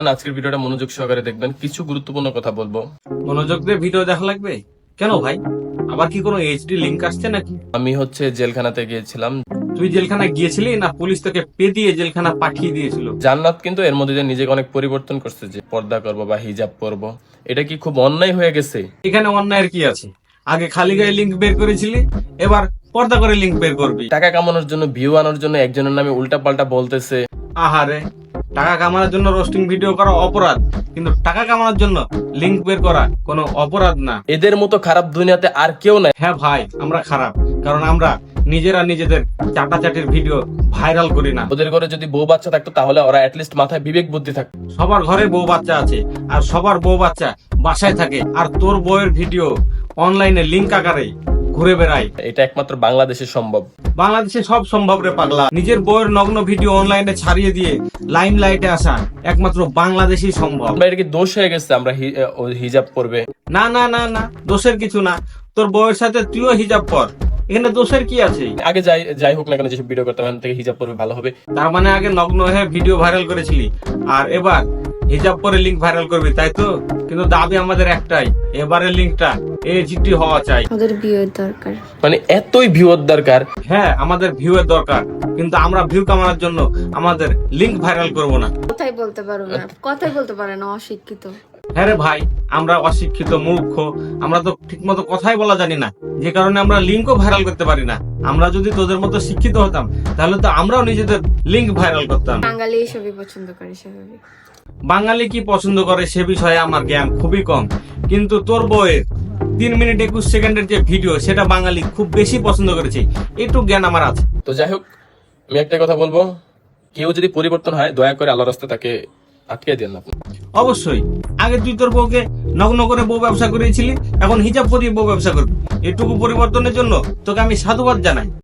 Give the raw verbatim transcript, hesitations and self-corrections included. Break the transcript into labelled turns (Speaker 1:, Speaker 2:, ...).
Speaker 1: আজকের ভিডিওটা মনোযোগ সহকারে দেখবেন, কিছু গুরুত্বপূর্ণ কথা বলবো।
Speaker 2: মনোযোগ দিয়ে ভিডিও দেখা লাগবে কেন ভাই? আবার কি কোনো এইচডি লিংক আসছে নাকি?
Speaker 1: আমি হচ্ছে জেলখানাতে গিয়েছিলাম।
Speaker 2: তুই জেলখানা গিয়েছিলি না পুলিশ তোকে পে দিয়ে জেলখানা পাঠিয়ে দিয়েছিল?
Speaker 1: জান্নাত কিন্তু এর মধ্যে দিয়ে নিজেকে অনেক পরিবর্তন করছে, যে পর্দা করবো বা হিজাব পরবো। এটা কি খুব অন্যায় হয়ে গেছে?
Speaker 2: এখানে অন্যায়ের কি আছে? আগে খালি গায়ে লিংক বের করেছিলি, এবার পর্দা করে লিংক বের করবি।
Speaker 1: টাকা কামানোর জন্য, ভিউ আনার জন্য একজনের নামে উল্টা পাল্টা বলতেছে।
Speaker 2: আহারে, টাকা কামানোর জন্য রোস্টিং ভিডিও করা অপরাধ, কিন্তু টাকা কামানোর জন্য লিংক বের করা কোনো অপরাধ না।
Speaker 1: এদের মতো খারাপ দুনিয়াতে আর কেউ নাই।
Speaker 2: হ্যাঁ ভাই, আমরা খারাপ, কারণ আমরা নিজেরা নিজেদের চাটাচাটির ভিডিও ভাইরাল করি না।
Speaker 1: ওদের ঘরে যদি বউ বাচ্চা থাকতো তাহলে ওরা অ্যাটলিস্ট মাথায় বিবেক বুদ্ধি থাকতো।
Speaker 2: সবার ঘরে বউ বাচ্চা আছে, আর সবার বউ বাচ্চা বাসায় থাকে, আর তোর বউয়ের ভিডিও অনলাইনে লিংক আকারে ঘুরে বেড়ায়।
Speaker 1: এটা একমাত্র বাংলাদেশে সম্ভব।
Speaker 2: বাংলাদেশে সব সম্ভব রে পাগলা। নিজের বউয়ের নগ্ন ভিডিও অনলাইনে ছাড়িয়ে দিয়ে লাইম লাইটে আসা একমাত্র বাংলাদেশেই সম্ভব।
Speaker 1: আমরা এটা কি দোষ হয়ে গেছে আমরা হি- ও হিজাব পরবে?
Speaker 2: না না না না, দোষের কিছু না। তোর বউয়ের সাথে তুইও হিজাব পর, এখানে দোষের কি আছে?
Speaker 1: আগে যাই যাই হোক না কেন, যেসব ভিডিও করতাম এখান থেকে হিজাব পরবে ভালো হবে।
Speaker 2: তার মানে আগে নগ্ন হয়ে ভিডিও ভাইরাল করেছিলি, আর এবার হিজাব পরে লিংক ভাইরাল করবি, তাই তো? কিন্তু দাবি আমাদের একটাই, এবারের লিংকটা এইচডি হওয়া চাই।
Speaker 3: ওদের বিয়ের দরকার।
Speaker 1: মানে এতই ভিউর দরকার?
Speaker 2: হ্যাঁ, আমাদের ভিউ এর দরকার, কিন্তু আমরা ভিউ কামানোর জন্য আমাদের লিংক ভাইরাল করব না।
Speaker 3: কথাই বলতে পারো না, কথাই বলতে পারে না, অশিক্ষিত।
Speaker 2: হ্যাঁ রে ভাই, আমরা অশিক্ষিত মূর্খ, আমরা তো ঠিক মতো কথাই বলা জানি না, যে কারণে আমরা লিঙ্কও ভাইরাল করতে পারি না। আমরা যদি তোদের মতো শিক্ষিত হতাম তাহলে তো আমরাও নিজেদের লিঙ্ক ভাইরাল করতাম।
Speaker 3: বাঙালি এসবই পছন্দ করে, স্বাভাবিক।
Speaker 2: বাঙালি কি পছন্দ করে সে বিষয়ে আমার জ্ঞান খুবই কম, কিন্তু তোর বইয়ের তিন মিনিট একুশ সেকেন্ডের যে ভিডিও, সেটা বাঙালি খুব বেশি পছন্দ করেছে, একটু জ্ঞান আমার আছে।
Speaker 1: তো যাই হোক, আমি একটা কথা বলবো, কেউ যদি পরিবর্তন হয় দয়া করে আল্লাহর রাস্তায় তাকে আটকে দেন আপনি।
Speaker 2: অবশ্যই, আগে তুই তোর বউকে নগ্ন করে বউ ব্যবসা করেছিলি, এখন হিজাব পরিয়ে বউ ব্যবসা করবি। এটুকু পরিবর্তনের জন্য তোকে আমি সাধুবাদ জানাই।